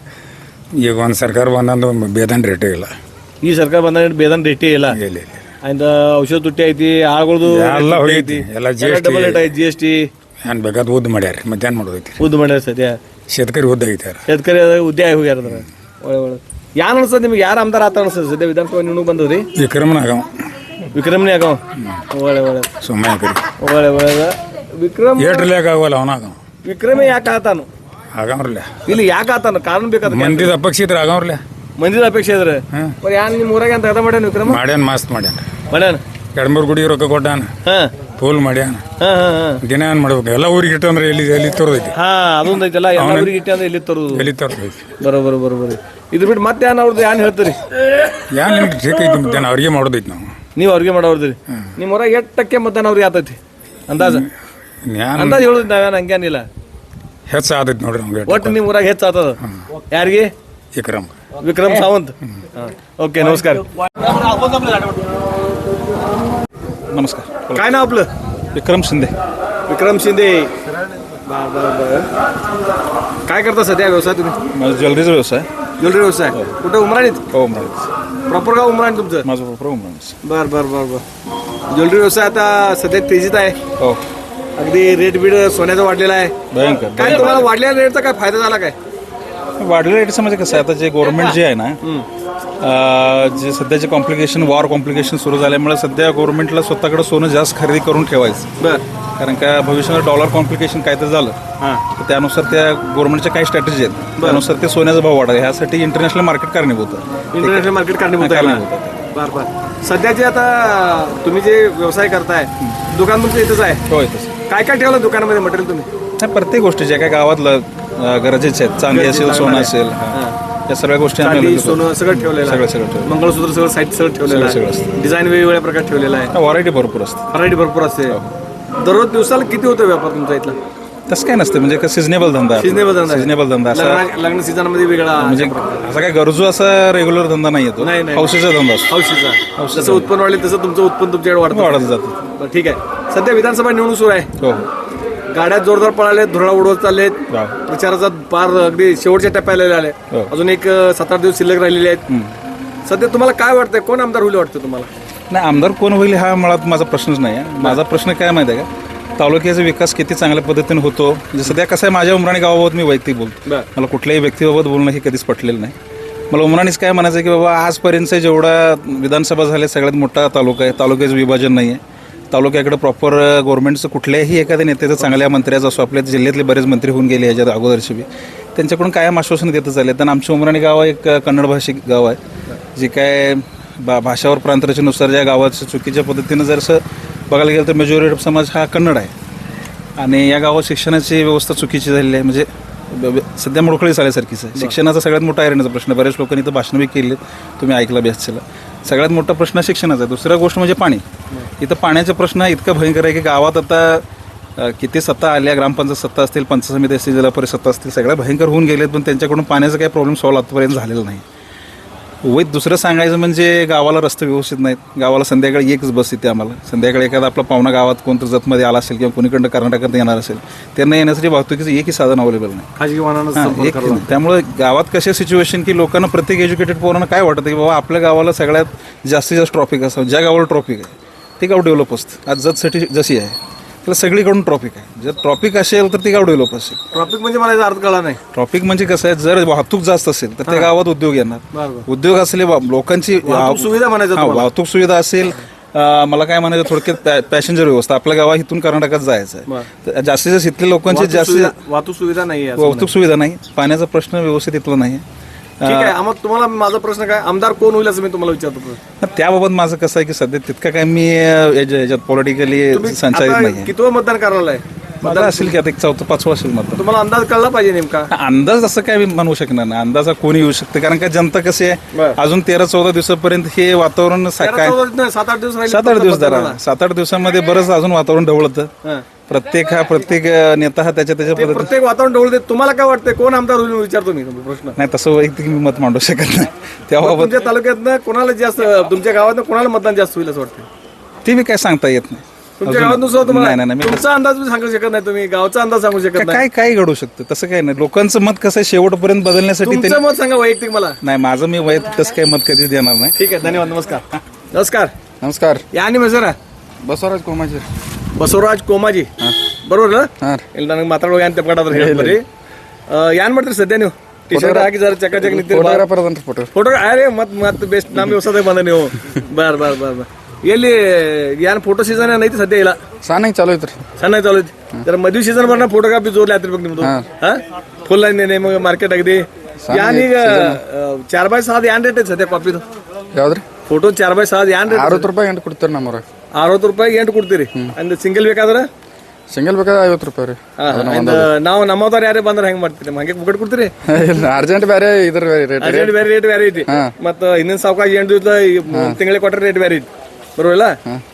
ಈಗ ಒಂದು ಸರ್ಕಾರ ಬಂದಂದು ಬೇದಾನ್ ರೇಟೇ ಇಲ್ಲ.
ಈ ಸರ್ಕಾರ ಬಂದ ಬೇದಾನ್ ರೇಟೇ ಇಲ್ಲ
ಇಲ್ಲ ಇಲ್ಲ
ಆಯ್ತ ಔಷಧ ತುಟ್ಟಿ ಐತಿ ಆಳ್ಗಳ್ದು
ಎಲ್ಲ ಹೋಗೈತಿ. ಎಲ್ಲ ಜಿ ಎಸ್
ಡಬಲ್ ರೇಟ್ ಐತಿ ಜಿ ಎಸ್ ಟಿ
ಏನು ಬೇಕಾದ ಉದ್ದು ಮಾಡ್ಯಾರ ಮಧ್ಯಾಹ್ನ ಮಾಡೋದೈತಿ.
ಉದ್ದು ಮಾಡ್ಯಾರ ಸದ್ಯ
ಶೇತಕರಿ ಉದ್ದ ಐತಾರ.
ಶೇತಕರಿ ಉದ್ಯ ಆಗಿ ಹೋಗ್ಯಾರ ಅದ್ರ ಒಳ್ಳೆ ಒಳ್ಳೆ ಯಾನ್ ಅನ್ಸದ್ ನಿಮ್ಗೆ ಯಾರು ಆಮದಾರ ಆತ ಅನ್ಸದ್ ಸದ್ಯ ವಿಧಾನಸಭಾ ನಿವಣುಕ್ ಬಂದವ್ರಿ
ವಿಕ್ರಮನಾಗ
ವಿಕ್ರಮ್ನೇ ಆಗವ ಒಳ್ಳೆ ಒಳ್ಳೆ
ಸುಮ್ಮನೆ ಕರಿ
ಒಳ್ಳೆ ಒಳ್ಳೆ ವಿಕ್ರಮ್
ಏಟ್ರಲ್ಯಾಕ ಆಗವಲ್ಲ ಅವನಾಗ
ವಿಕ್ರಮೇ ಯಾಕೆ ಆತಾನು
ಆಗವ್ರಲ್ಲ.
ಇಲ್ಲಿ ಯಾಕೆ ಆತಾನು ಕಾರಣ ಬೇಕಾದ
ಮಂದಿದ ಅಪೇಕ್ಷಿತ್ರ ಆಗವ್ರಲ್ಲ.
ಮಂದಿದ ಅಪೇಕ್ಷೆ ಇದ್ರೆ ಯಾನ್ ನಿಮ್ ಊರಾಗ ಅಂತ ಅದ ಮಾಡ್ಯಾನ ವಿಕ್ರಮ
ಮಾಡ್ಯಾನ ಮಸ್ತ್ ಮಾಡ್ಯಾನ.
ಮಾಡ್ಯಾನ
ಎರಡ್ಮೂರು ಗುಡಿ ರೊಕ್ಕ ಕೊಟ್ಟಾನ,
ಹಾ
ಫೂಲ್ ಮಾಡ್ಯಾನ.
ಹಾ ಹಾ ಹಾ
ದಿನ ಏನ್ ಮಾಡ್ಬೇಕು ಎಲ್ಲ ಊರಿಗೆ ಇಟ್ಟಂದ್ರೆ ಎಲ್ಲಿ ಎಲ್ಲಿ ತೋರ್ದೈತಿ
ಹಾ ಅದೊಂದು ಐತಲ್ಲ ಎಲ್ಲ ಊರಿಗೆ ಇಟ್ಟೆ ಅಂದ್ರೆ ಇಲ್ಲಿ ತರುದು
ಎಲ್ಲಿ ತೋರ್ದೈತಿ.
ಬರೋಬರ್ ಬರೋಬರ್ ಇದ್ರ ಬಿಟ್ಟು ಮತ್ತೆ ಏನ್ ಅವ್ರದ್ದು ಏನ್ ಹೇಳ್ತೀರಿ
ಯಾನ್ ನಿಮ್ಗೆ ಠೀಕ್ ಐತಿ ಮಧ್ಯಾಹ್ನ ಅವ್ರಿಗೆ ಮಾಡೋದೈತಿ ನಾವು.
ನೀವು ಅವ್ರಿಗೆ ಮಾಡೋರ್ದಿರಿ ನಿಮ್ಮ ಊರಾಗ ಎಟ್ಟಕ್ಕೆ ಮಧ್ಯಾಹ್ನ ಅವ್ರಿಗೆ ಆತೈತಿ ಅಂದಾಜ
ಯಾನ್
ಅಂದಾಜ್ ಹೇಳುದು ನಾವೇನು ಹಂಗೇನಿಲ್ಲ
ಹೆಚ್ಚು ಆದೈತಿ ನೋಡ್ರಿ ನಮ್ಗೆ.
ಒಟ್ಟು ನಿಮ್ಮ ಊರಾಗ ಹೆಚ್ಚು ಆತದ ಯಾರಿಗೆ
ವಿಕ್ರಮ್
ವಿಕ್ರಮ್ ಸಾವಂತ್ ओके नमस्कार
नमस्कार.
काय नाव आपलं
विक्रम शिंदे.
विक्रम शिंदे बर बर बर काय करता सध्या व्यवसाय तुम्ही
माझा ज्वेलरीचा व्यवसाय.
ज्वेलरी व्यवसाय कुठं उमराणीत
हो उमराणीच.
प्रॉपर गाव उमराणी तुमचं
माझं प्रॉपर उमराणीच.
बर बर बर बर ज्वेलरी व्यवसाय आता सध्या तेजीत आहे
हो
अगदी रेट बीड सोन्याचा वाढलेला आहे
भयंकर.
काय तुम्हाला वाढलेल्या रेटचा काय फायदा झाला काय
वाढलेल्या रेटचं म्हणजे कसं आहे आता जे गव्हर्नमेंट जे आहे ना अं, जे सध्याचे कॉम्प्लिकेशन वॉर कॉम्प्लिकेशन सुरू झाल्यामुळे सध्या गव्हर्नमेंटला स्वतःकडे सोनं जास्त खरेदी करून ठेवायचं.
बर
कारण का भविष्यामध्ये डॉलर कॉम्प्लिकेशन काय तर झालं
हां
तर त्यानुसार त्या गव्हर्नमेंटच्या काही स्ट्रॅटेजी आहेत त्यानुसार ते सोन्याचा भाव वाढावा ह्यासाठी इंटरनॅशनल मार्केट कारणीभूत आहे.
इंटरनॅशनल मार्केट कारणीभूत आहे
कारणीभूत
ना? बर बर सध्याचे आता तुम्ही जे व्यवसाय करताय दुकान तुमचं इथंच आहे
होय तसं
काय काय ठेवलं दुकानामध्ये मटेरियल तुम्ही
नाही, प्रत्येक गोष्टी ज्या काही गावातलं अं, गरजेच्या आहेत चांदी असेल सोनं असेल हां. या सगळ्या गोष्टी आम्ही
चांदी
available
सोनं सगळं ठेवलेलं आहे.
सगळं सगळं ठेवलं.
मंगळसूत्र सगळं साईट सगळं ठेवलेलं
सगळं
आहे
सगळं
डिझाईन वेगवेगळ्या प्रकार ठेवलेला आहे
व्हरायटी भरपूर असते.
व्हरायटी भरपूर असते दररोज दिवसाला किती होतो व्यापार तुमचा इथला
तसं काय नसतं म्हणजे सिजनेबल धंदा आहे.
सिजनेबल धंदा
सिजनेबल धंदा असा
लग्न लग्न सीझन मध्ये वेगळा
म्हणजे असा काय गरजू असा रेग्युलर धंदा नाही येतो.
नाही, नाही.
हौशीचा धंदा असतो.
हौशीचा जसं उत्पन्न वाढले तसं तुमचं उत्पन्न तुमच्याकडे वाढतं
वाढत जातं.
बरं, ठीक आहे सध्या विधानसभा निवडणूक सुरू आहे
हो हो
गाड्या जोरदार पळाले धुरळा उडवत चाललेत
वा.
प्रचाराचा पार अगदी शेवटच्या टप्प्याला आले
हो.
अजून एक अं, सात आठ दिवस शिल्लक राहिलेले आहेत सध्या तुम्हाला काय वाटतंय कोण आमदार होईल वाटतं तुम्हाला
नाही आमदार कोण होईल हा मुळात माझा प्रश्नच नाही आहे. माझा प्रश्न काय माहिती आहे का तालुक्याचा विकास किती चांगल्या पद्धतीने होतो. म्हणजे सध्या कसं आहे, माझ्या उमराणी गावाबाबत मी वैयक्तिक बोलतो. मला कुठल्याही व्यक्तीबाबत बोलणं हे कधीच पटलेलं नाही. मला उमराणीच काय म्हणायचं आहे की बाबा आजपर्यंत जेवढा विधानसभा झाल्या सगळ्यात मोठा तालुका आहे. तालुक्याचं विभाजन नाही आहे. तालुक्याकडे प्रॉपर गव्हर्नमेंटचं कुठल्याही एखाद्या नेत्याचं चांगल्या मंत्र्याचं असो, आपल्या जिल्ह्यातले बरेच मंत्री होऊन गेले याच्यात अगोदरची बी, त्यांच्याकडून कायम आश्वासन देतच आले. तर आमचं उमराणी गाव एक कन्नड भाषिक गाव आहे. जे काय बा भाषावर प्रांतरचेनुसार ज्या गावाचं चुकीच्या पद्धतीनं जर असं बघायला गेलं तर मेजॉरिटी समाज हा कन्नड आहे. आणि या गावात शिक्षणाची व्यवस्था चुकीची झालेली आहे. म्हणजे ब- ब- सध्या मोडकळीस आल्यासारखीच आहे. शिक्षणाचा सगळ्यात मोठा ऐरणीचा प्रश्न. बऱ्याच लोकांनी इथं भाषणं बी केली, तुम्ही ऐकला बी असेल. सगळ्यात मोठा प्रश्न शिक्षणाचा आहे. दुसरा गोष्ट म्हणजे पाणी. इथं पाण्याचा प्रश्न इतका भयंकर आहे की गावात आता अ, किती सत्ता आल्या, ग्रामपंचायत सत्ता असतील, पंचायत समिती असतील, जिल्हा परिषद सत्ता असतील, सगळ्या भयंकर होऊन गेलेत, पण त्यांच्याकडून पाण्याचा काही प्रॉब्लेम सॉल्व्ह आतापर्यंत झालेला नाही. वैध दुसरं सांगायचं म्हणजे गावाला रस्ते व्यवस्थित नाहीत. गावाला संध्याकाळी एकच बस येते आम्हाला. संध्याकाळी एखादा आपला पाहुणा गावात कोणतं जतमध्ये आला असेल किंवा कोणीकडनं कर्नाटकात येणार असेल, त्यांना येण्यासाठी वाहतुकीचं एकही साधन अवेलेबल नाही.
खाजगी वाहनानं
हां, एक नाही. त्यामुळे गावात कशा सिच्युएशन की लोकांना, प्रत्येक एज्युकेटेड पोरांना काय वाटतं की बाबा आपल्या गावाला सगळ्यात जास्तीत जास्त ट्रॉफिक असावं. ज्या गावाला ट्रॉफिक आहे ते गाव डेव्हलप असतं. आज जतसाठी जशी आहे त्याला सगळीकडून ट्रॉफिक आहे. जर ट्रॉफिक असेल तर ते गाव डेव्हलप असेल.
ट्रॉफिक म्हणजे मला याचा अर्थ कळला नाही.
ट्रॉफिक म्हणजे कसं आहे, जर वाहतूक जास्त असेल तर त्या गावात उद्योग येणार. उद्योग असले वा- लोकांची
वाहतूक सुविधा म्हणायचं
हां,
तुम्हाला.
वाहतूक सुविधा असेल. अं, मला काय म्हणायचं थोडक्यात पॅसेंजर व्यवस्था. आपल्या गावा इथून कर्नाटकात जायचं आहे, तर जास्तीत जास्त इथले लोकांची
वाहतूक
जास्तीत
सुविधा- वाहतूक सुविधा नाही आहे असं
वाहतूक सुविधा नाही. पाण्याचा प्रश्न व्यवस्थित इथला नाही.
ठीक आहे. मग तुम्हाला माझा प्रश्न काय, आमदार कोण होईल असं मी तुम्हाला विचारतो प्रश्न.
त्याबाबत माझं कसं आहे की सध्या तितकं काय मी अं, याच्या- याच्यात पॉलिटिकली
तुम्ही
संचालित
आता
नाही.
कितवं मतदान करायला आहे?
माझं असेल की आता एक चौथं पाचवं असेल मत.
तुम्हाला अंदाज कळला पाहिजे नेमका.
अंदाज असं काय मी म्हणू शकणार नाही. अंदाजा कोणी येऊ शकते, कारण का जनता कशी आहे,
बरं.
अजून तेरा चौदा दिवसापर्यंत हे वातावरण सा-
तेरा
काय
चौदा नाही, सात आठ दिवस राहिले
सात आठ
फक्त
दिवस धरा.
मतदानाला.
सात आठ दिवसामध्ये बरंच अजून वातावरण ढवळतं.
हां.
प्रत्येक हा प्रत्येक अं, नेता हा त्याच्या त्याच्या
ते
पद्धतीने.
प्रत्येक वातावरण डोळ देत. तुम्हाला काय वाटतंय कोण आमदार होईल विचारतो मी तुम्हाला प्रश्न.
नाही तसं वैयक्तिक मी मत मांडू शकत नाही
मग
त्याबाबत.
तुमच्या तालुक्यातनं कोणाला जास्त, तुमच्या गावातनं कोणाला मतदान जास्त होईल असं वाटतं?
ते मी काय सांगता येत नाही.
तुमच्या
अजून-
गावात सुद्धा तुम्हाला
नाही नाही नाही, मी
तुमचा अंदाज तुम्ही सांगू शकत नाही, तुम्ही गावचा अंदाज सांगू शकत
काय
नाही.
काय काय घडू शकतं तसं काही नाही. लोकांचं मत कसं आहे, शेवटपर्यंत बदलण्यासाठी
तुमचं
त्यांनी-
मत सांगा वैयक्तिक मला.
नाही, माझं मी वैयक्तिक तसं काही मत कधीच देणार नाही.
ठीक आहे, धन्यवाद. नमस्कार. नमस्कार.
नमस्कार.
ಯಾ ನಿಮ್ಮ ಹೆಸರ?
ಬಸವರಾಜ್ ಕೋಮಾಜಿ.
ಬಸವರಾಜ್ ಕೋಮಾಜಿ. ಬರೋಲ್ಲ
ಹಾಂ
ಇಲ್ಲಿ ನನಗೆ ಮಾತಾಡುವಾಗ ಏನು ತಪ್ಪಾಡ್ರೆ ಹೇಳ್ಬರಿ. ಏನ್ ಮಾಡ್ತೀರಿ ಸದ್ಯ ನೀವು? ಟಿ ಶರ್ಟ್ ಹಾಕಿ ಜರ ಚಕ್ಕ ಚಕ್ಕ ನಿಂತಿರಿ.
ಫೋಟೋಗ್ರಾಫರ್ ಅದನ್ರಿ ಫೋಟೋ.
ಫೋಟೋ ಅರೆ ಮತ್ ಮತ್ ಬೆಸ್ಟ್ ನಮ್ಮ ಹೊಸದಾಗ ಬಂದ ನೀವು. ಬಾರ್ ಬಾರ್ ಬಾರ್ ಬಾರ್ ಎಲ್ಲಿ ಏನ್ ಫೋಟೋ ಸೀಸನ್ ಏನೈತಿ ಸದ್ಯ ಇಲ್ಲ?
ಸಾನಾಗಿ ಚಾಲೂ ಐತ್ರಿ.
ಸಣ್ಣ ಚಾಲು ಐತಿ. ಜರ ಮದ್ವೆ ಸೀಸನ್ ಬರ್ನ ಫೋಟೋಗ್ರಾಫಿ ಜೋರ್ಲಿ ಹತ್ತಿರ್ಬೇಕು ನಿಮ್ದು. ಹಾ ಫುಲ್ ನಿಮಗೆ ಮಾರ್ಕೆಟ್ ಆಗಿದೆ. ಯಾನ್ ಈಗ ಚಾರ್ ಬಾಯ್ ಸಾದ್ ಏನ್ ರೇಟ್ ಐತಿ ಸದ್ಯ ಕಾಪಿದು?
ಯಾವ್ದ್ರಿ?
ಫೋಟೋ ಚಾರ್ ಬಾಯ್ ಸಾದ್ ಏನ್ ರೇಟ್?
ಅರವತ್ತು ರೂಪಾಯಿ ಎಂಟು ಕೊಡ್ತೀರಿ ನಮ್ಮವ್ರ.
ಅರವತ್ತು ರೂಪಾಯಿ ಎಂಟು ಕೊಡ್ತೀರಿ. ಅಂದ್ ಸಿಂಗಲ್ ಬೇಕಾದ್ರೆ
ಸಿಂಗಲ್ ಬೇಕಾದ್ರೆ ಐವತ್ತು ರೂಪಾಯಿ ರೀ.
ನಾವು ನಮ್ಮದವ್ರು ಯಾರೇ ಬಂದ್ರೆ ಹೆಂಗ್ ಮಾಡ್ತೀರಿ? ಹಂಗೆ ಬುಕ್ಕಟ್ ಕೊಡ್ತೀರಿ?
ಇಲ್ಲ ಅರ್ಜೆಂಟ್ ಬೇರೆ ಇದ್ರ ರೇಟ್.
ಅರ್ಜೆಂಟ್ ಬೇರೆ ರೇಟ್ ಬೇರೆ ಐತಿ. ಮತ್ತ ಇನ್ನೊಂದು ಸಾವಕಾಶ ಎಂಟು ದಿವಸ ತಿಂಗಳಿಗೆ ಕೊಟ್ಟರೆ ರೇಟ್ ಬೇರೆ ಐತಿ. ಬರೋಲ್ಲ?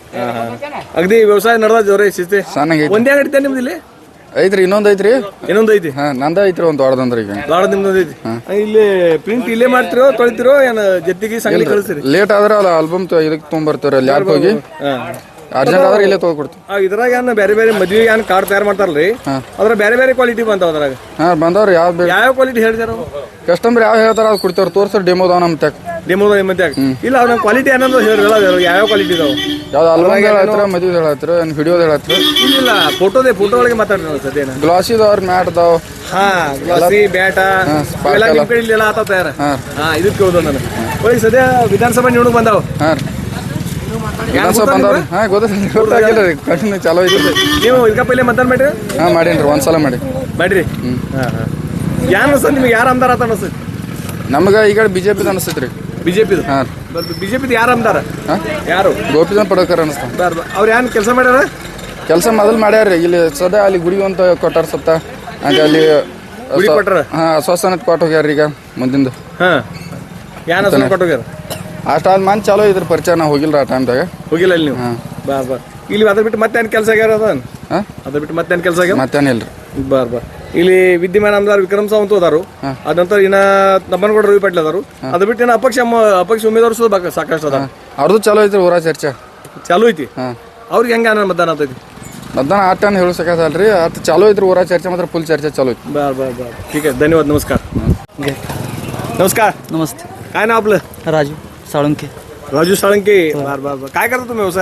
ಅಗದಿ ವ್ಯವಸಾಯ ನಡೆದ ಜೋರ ಶಿಸ್ತಿ.
ಸಾನಾಗಿ
ಒಂದೇ ಅಂಗಡಿ ಐತೆ ನಿಮ್ದು ಇಲ್ಲಿ?
ಐತ್ರಿ, ಇನ್ನೊಂದು ಐತ್ರಿ.
ಇನ್ನೊಂದು ಐತಿ?
ಹಾ ನಂದ ಐತ್ರಿ ಒಂದು ದೊಡ್ಡದಂದ್ರ ಈಗ.
ಲಾಡ ನಿಮ್ದು ಐತಿ. ಇಲ್ಲಿ ಪ್ರಿಂಟ್ ಇಲ್ಲೇ ಮಾಡ್ತಿರೋ ತೊಳಿತಿರೋ ಏನ್ ಜೊತೆಗೆ ಸಂಗಲಿ ಕಳಿಸ್ತೀರಿ?
ಲೇಟ್ ಆದ್ರೆ ಅಲ್ಲ ಆಲ್ಬಮ್ ಇದಕ್ಕೆ ತೊಗೊಂಬರ್ತೀವ್ರಿ ಅಲ್ಲಿ ಯಾಕೆ ಹೋಗಿ. ಅರ್ಜೆಂಟ್ ಆದ್ರೆ ಇಲ್ಲೇ ತೊಗೊಡ್ತೀವಿ.
ಇದ್ರಾಗ ಏನ್ ಬೇರೆ ಬೇರೆ ಮದ್ವೆಗೆ ಏನ್ ಕಾರ್ಡ್ ತಯಾರು ಮಾಡ್ತಾರಲ್ರಿ, ಅದ್ರ ಬೇರೆ ಬೇರೆ ಕ್ವಾಲಿಟಿ ಬಂತಾವ ಅದ್ರಾಗ.
ಹಾ ಬಂದವ್ರಿ ಯಾವ್ದು ಬೇಕು
ಯಾವ ಕ್ವಾಲಿಟಿ ಹೇಳ್ತಾರ?
ಕಸ್ಟಮರ್ ಯಾವ ಹೇಳ್ತಾರ ಅದು ಕೊಡ್ತೇವ್ರಿ. ತೋರ್ಸ್ರಿ ಡೆಮೋ ಅದಾವ ನಮ್ಮ ತ್ಯಾಗ.
ಡೆಮೋ ನಿಮ್ಮಂತೆ ಇಲ್ಲ ಅವ್ರ ಕ್ವಾಲಿಟಿ ಏನಂದ್ರೆ ಹೇಳಿರಲ್ಲ, ಯಾವ ಕ್ವಾಲಿಟಿ ಇದಾವ?
ಯಾವ್ದು ಆಲ್ಬಮ್ ಹೇಳತ್ತರ, ಮದುವೆ ಹೇಳತ್ತರ, ವಿಡಿಯೋದ ಹೇಳತ್ತರ?
ಇಲ್ಲ ಫೋಟೋದೇ, ಫೋಟೋ ಒಳಗೆ ಮಾತಾಡ್ರಿ ಸದ್ಯನ.
ಗ್ಲಾಸ್ ಇದಾವ್ರಿ, ಮ್ಯಾಟ್ ಅದಾವ.
ಹಾ ಗ್ಲಾಸಿ ಬ್ಯಾಟ ಇವೆಲ್ಲ ನಿಮ್ ಕಡೆ ಇಲ್ಲೆಲ್ಲ ಆತಾವ ತಯಾರ. ಹಾ ಇದಕ್ಕೆ ಹೋದ ನಾನು ಹೋಗಿ ಸದ್ಯ ವಿಧಾನಸಭಾ ನಿವಣುಕ್ ಬಂದಾವ.
ಹಾ ರೀ ವಿಧಾನಸಭಾ ಬಂದವ್ರಿ. ಹಾ ಗೊತ್ತಾಗಿಲ್ಲ ಗೊತ್ತಾಗಿಲ್ಲ ರೀ. ಕಂಟಿನ್ಯೂ ಚಾಲೋ ಐತ್ರಿ.
ನೀವು ಇದಕ್ಕ ಪೈಲೆ ಮತದಾನ ಮಾಡ್ರಿ?
ಹಾ ಮಾಡೇನ್ರಿ, ಒಂದ್ಸಲ ಮಾಡಿ
ಮಾಡ್ರಿ. ಹಾ ಹಾ ಯಾರು ಅನ್ಸತ್ ನಿಮ್ಗೆ? ಯಾರು ಆಮದಾರ ಆತ ಅನ್ಸತ್?
ನಮ್ಗೆ ಈಗ ಬಿಜೆಪಿ ಅನಿಸ್ತೈತ್ರಿ.
ಬಿಜೆಪಿದು?
ಹಾ
ಬಿಜೆಪಿದು ಯಾರು ಆಮದಾರ?
ಹಾ
ಯಾರು?
ಗೋಪಿಚಂದ್ ಪಡಕರ್ ಅನಿಸ್ತಾವ.
ಬಾರ್ ಅವ್ರು ಏನ್ ಕೆಲಸ ಮಾಡ್ಯಾರ?
ಕೆಲಸ ಮೊದಲು ಮಾಡ್ಯಾರ್ರಿ. ಇಲ್ಲಿ ಸದಾ ಅಲ್ಲಿ ಗುಡಿ ಅಂತ ಕೊಟ್ಟಾರ ಸತ್ತ ಹಂಗೆ ಅಲ್ಲಿ
ಗುಡಿ ಕೊಟ್ಟಾರ?
ಹಾ ಆಶ್ವಾಸನ ಕೊಟ್ಟು ಹೋಗ್ಯಾರ ಈಗ ಮುಂದಿಂದ.
ಹಾ ಯಾನ್ ಹೆಸರು ಕೊಟ್ಟೋಗ್ಯಾರ?
ಅಷ್ಟಾದ ಮಂದಿ ಚಾಲೋ ಇದ್ರ ಪರಿಚಯ. ನಾವು ಹೋಗಿಲ್ರಿ ಆ ಟೈಮ್ದಾಗ.
ಹೋಗಿಲ್ಲ ಇಲ್ಲಿ ನೀವು? ಬಾರ್ ಬಾರ್ ಇಲ್ಲಿ ಅದ್ರ ಬಿಟ್ಟು ಮತ್ತೆ ಏನ್ ಕೆಲಸ ಆಗ್ಯಾರ? ಅದ
ಹಾ
ಅದ್ರ ಬಿಟ್ಟು ಮತ್ತೆ ಏನ್ ಕೆಲಸ ಆಗ್ಯಾರ?
ಮತ್ತೇನಿಲ್ರಿ.
ಬಾರ್ ಬಾರ್ ಇಲ್ಲಿ ವಿದ್ಯಮಾನ ಆಮದಾರ್ ವಿಕ್ರಮ್ ಸಾವಂತ್ ಅದಾರು. ಅದ ನಂತರ ಇನ್ನ ನಮ್ಮನಗೌಡ ರವಿ ಪಾಟೀಲ್ ಅದಾರು. ಅದ ಬಿಟ್ಟು ಇನ್ನ ಅಪಕ್ಷ ಅಪಕ್ಷ ಉಮೇದವಾರು ಸುದ್ದ ಸಾಕಷ್ಟು ಅದಾರ.
ಅವ್ರದ್ದು ಚಾಲೋ ಐತ್ರಿ ಊರ ಚರ್ಚೆ.
ಚಾಲು ಐತಿ?
ಹಾ
ಅವ್ರಿಗೆ ಹೆಂಗ ಮತದಾನ ಆಗ್ತೈತಿ?
ಮತದಾನ ಆಟ ಹೇಳು ಸಕಾಸಲ್ರಿ. ಅಟ್ ಚಾಲೋ ಐತ್ರಿ ಊರ ಚರ್ಚೆ, ಮಾತ್ರ ಫುಲ್ ಚರ್ಚೆ ಚಾಲೋ ಐತಿ.
बर बर बर ठीक आहे, धन्यवाद. नमस्कार. नमस्कार.
नमस्ते.
काय नाव आपलं?
राजू साळुंखे.
राजू साळंके. बर बर बर काय करता तुम्ही व्यवसाय?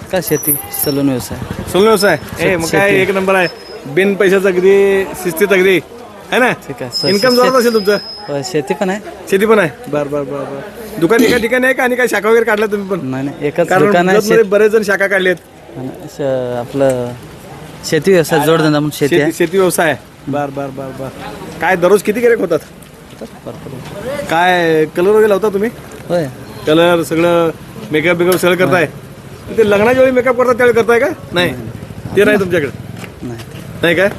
काय शेती सलून व्यवसाय
सोलून व्यवसाय ए मग काय एक नंबर आहे बिन पैशाचं अगदी शिस्तीत अगदी है ना
ठीक आहे.
इन्कम जोरात असेल तुमचं
होय, शेती पण आहे.
शेती पण आहे बर बर बर बर दुकान एका ठिकाणी आहे का आणि काय शाखा वगैरे काढल्या तुम्ही पण
नाही नाही एकच
कारण
दुकान आहे.
जतमध्ये बरेच जण शाखा काढलेत
शेत- श- आपलं शेती व्यवसाय जोडधंदा म्हणून शेती
शेती
आहे.
शेती व्यवसाय बर बर बर बर काय दररोज किती गिऱ्हाईक होतात काय कलर वगैरे लावता तुम्ही
होय
कलर सगळं मेकअप बिकअप सगळं करताय ते लग्नाच्या वेळी मेकअप करतात त्यावेळी करताय का नाही ते नाही तुमच्याकडे
नाही
नाही काय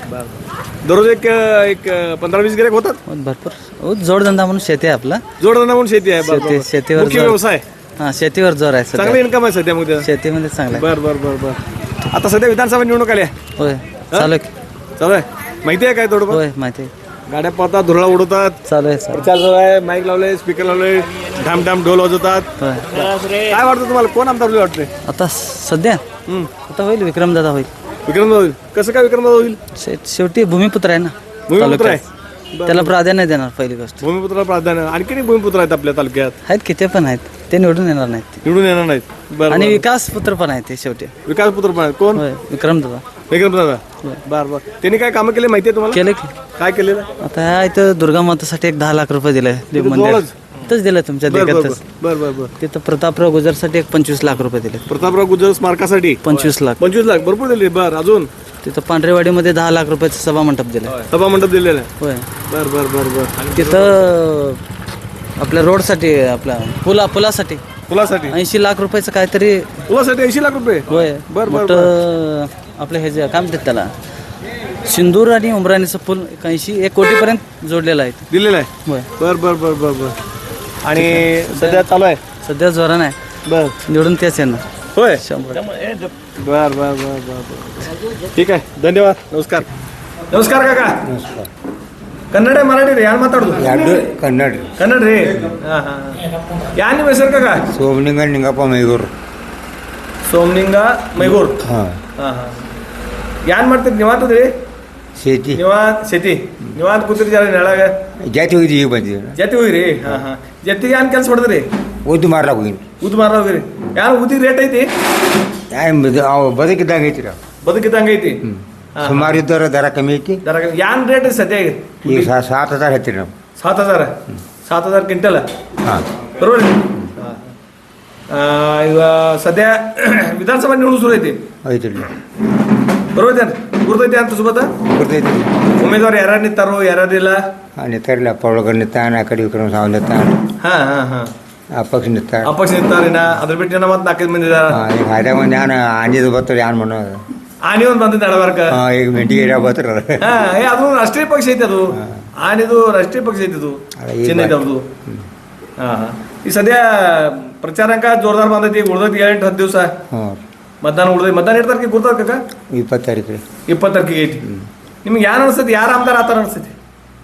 दररोज एक एक पंधरा वीस गिऱ्हाईक होतात
हो, भरपूर हो, जोडधंदा म्हणून शेती आहे आपला.
जोडधंदा म्हणून शेती आहे बर, बर,
शेती
बर.
शेतीवर
मुख्य
जोर-
व्यवसाय
हा शेतीवर जोर आहे
चांगलं
सध्या.
इन्कम आहे सध्या मग त्याचं.
शेतीमध्ये चांगलं आहे.
बर बर बर बर आता सध्या विधानसभा निवडणूक आल्या
होय चालू आहे.
चालू आहे माहिती आहे काय थोडं
होय माहिती आहे.
गाड्या पाहतात धुरळा उडवतात
चालू आहे चालू
प्रचार चालू आहे माईक लावले स्पीकर लावले ढाम ढाम ढोल वाजवतात
होय.
काय वाटतं तुम्हाला कोण आमदार होईल वाटतंय
आता सध्या
हम्म.
आता होईल विक्रमदादा होईल.
विक्रमदादा होईल कसं काय विक्रमदादा होईल
शे- शेवटी भूमिपुत्र आहे ना
भूमिपुत्र आहे
तालुक्यात. त्याला प्राधान्य देणार पहिली गोष्ट.
भूमिपुत्राला प्राधान्य आणखी भूमिपुत्र आहेत आपल्या तालुक्यात
आहेत की ते पण आहेत ते निवडून येणार नाहीत.
निवडून येणार नाहीत बरं
आणि
बरं.
विकास पुत्र पण आहे ते शेवटी.
विकास पुत्र पण आहेत कोण
होय विक्रमदादा
विक्रमदादा बर बर त्यांनी काय कामं केले माहिती आहे तुम्हाला
केलं की.
काय केलेलं
आता ह्या इथं दुर्गा मातासाठी एक दहा लाख रुपये दिले देव मंदिर
जवळच?
इथंच दिलं तुमच्या
बर बर
देगातच.
बर बर बर
तिथं प्रतापराव गुजरसाठी एक पंचवीस लाख रुपये दिले.
प्रतापराव गुजर स्मारकासाठी
पंचवीस लाख.
पंचवीस लाख भरपूर दिले बर अजून
तिथं पांढरेवाडीमध्ये दहा लाख रुपयाचं सभा मंडप दिलं.
सभा मंडप दिलेला आहे
होय
बर बर बर बर
तिथं आपल्या रोडसाठी आपल्या पुला पुलासाठी
फुलासाठी
ऐंशी लाख रुपयाचं काहीतरी
फुलासाठी ऐंशी लाख रुपये
होय
बर, बर,
मोठं आपलं हे जे काय म्हणतात त्याला सिंदूर आणि उमराणीचं पूल एक ऐंशी एक कोटीपर्यंत जोडलेलं आहे.
दिलेला आहे
होय
बर बर बर बर बर आणि सध्या चालू आहे
सध्या जोरानं आहे
बर
निवडून तेच येणार
होय
शंभर.
बर बर बर बर बर ठीक आहे धन्यवाद नमस्कार नमस्कार काका नमस्कार ಕನ್ನಡ ಮರಾಠಿ ರೀ ಯಾರು ಮಾತಾಡೋದು
ಎರಡು ಕನ್ನಡ ರೀ
ಕನ್ನಡ ರೀ ಹಾಂ ಹಾಂ ಯಾರು ನಿಮ್ಮ ಹೆಸರು ಕಾಕ
ಸೋಮಲಿಂಗ ನಿಂಗಪ್ಪ ಮೈಗೂರು
ಸೋಮಲಿಂಗ ಮೈಗೂರ್
ಹಾಂ
ಹಾಂ ಹಾಂ ಯಾರು ಮಾಡ್ತೀರಿ ನಿವಾಂತದ್ರಿ
ಶೇತಿ
ನಿವಾಂತ್ ಶೆತಿ ನಿವಾಂತ್ ಕೂತಿರಿ ಜರ ನೆಳಾಗ
ಜಾತಿ ಹೋಗಿದ್ವಿ ಈಗ ಬಂದಿದ್ದೀವಿ
ಜತಿ ಹೋಗಿರಿ ಹಾಂ ಹಾಂ ಜತಿಗೆ ಏನು ಕೆಲಸ ಹೊಡೆದ್ರಿ
ಓದು ಮಾರ್ಲಾಕ ಹೋಗಿನಿ
ಉದ್ ಮಾರ ಹೋಗಿರಿ ಯಾರು ಉದ್ದಿಗೆ ರೇಟ್ ಐತಿ
ಅವು ಬದುಕಿದ್ದಾಗ ಐತಿ ರೀ
ಬದುಕಿದ್ದಂಗೆ ಐತಿ
ಸುಮಾರು ಇದ್ದವ್ರ ದರ ಕಮ್ಮಿ ಐತಿ
ದರ ಯಾನ್ ರೇಟ್ ಐತಿ ಸದ್ಯ ಈಗ
ಈಗ ಸಾ- ಸಾತ್ ಹಜಾರ್ ಹತ್ತಿರ ನಾವು
सात हजार सात हजार क्विंटल
ಹಾಂ
बरोबर आहे? ಆ, ಈಗ ಸದ್ಯ ವಿಧಾನಸಭಾ निवडणूक सुरू ಐತಿ
ಐತಿ ರೀ
बरोबर आहे ಗುರ್ತೈತಿ ಅಂತ ಸುಬತ್ತ
ಗೊತ್ತೈತಿ
ಉಮೇದವಾರ ಯಾರ್ಯಾರು ನಿಂತಾರೋ ಯಾರ್ಯಾರಿಲ್ಲ
ನಿಂತಾರಿಲ್ಲ ಪೌಳಗರ್ ನಿಂತಾನ ಆ ಕಡೆ ವಿಕ್ರಮ ಸಾವ್ ನಿಂತಾನ
ಹಾ ಹಾ ಹಾ
ಅಪಕ್ಷ ನಿಂತಾರ
ಅಪಕ್ಷ ನಿಂತಾರಿನ ಅದ್ರ ಬಿಟ್ಟು ಜನ ಮತ್ತೆ ನಾಲ್ಕೈದು ಮಂದಿ ಇದಾರ
ಹಾಂ ಈಗ ಹಾದ್ಯಾಗ ಒಂದು ಯಾನ್ ಆಂಜಿದು ಬರ್ತಾರೆ ಯಾನ್ ಮಾಡೋದು
ಆನಿ ಒಂದು ಬಂದಿದ್ದು ನಡಬಾರ್ಕ
ಹಾಂ ಈಗ ಮೆಂಟಿಗೆ ಏರಿಯಾ ಬರ್ತಾರ
ಹಾ ಏ ಅದು ರಾಷ್ಟ್ರೀಯ ಪಕ್ಷ ಐತಿ ಅದು ಆನಿದು ರಾಷ್ಟ್ರೀಯ ಪಕ್ಷ ಐತಿ ಅದು
ಅಲ್ಲ, ಈಗ
ಚೆನ್ನೈ ಅವ್ರದ್ದು ಹಾ ಹಾ ಈ ಸದ್ಯ ಪ್ರಚಾರಂಕ ಜೋರ್ದಾರ್ ಬಂದೈತಿ ಈಗ ಉಳ್ದೈತಿ ಏಳೆಂಟು ಹತ್ತು ದಿವಸ
ಹ್ಞೂ
ಮತದಾನ ಉಳ್ದೈತಿ ಮತದಾನ ಎಷ್ಟು ತಾರೀಕಿಗೆ ಗುರ್ತಾರ ಕಾಕ
ಇಪ್ಪತ್ತು ತಾರೀಕು ರೀ
ಇಪ್ಪತ್ತು ತಾರೀಕಿಗೆ ಐತಿ ನಿಮ್ಗೆ ಯಾರು ಅನಿಸ್ತೈತಿ ಯಾರು ಆಮ್ದಾರ ಆತರ ಅನಿಸ್ತೈತಿ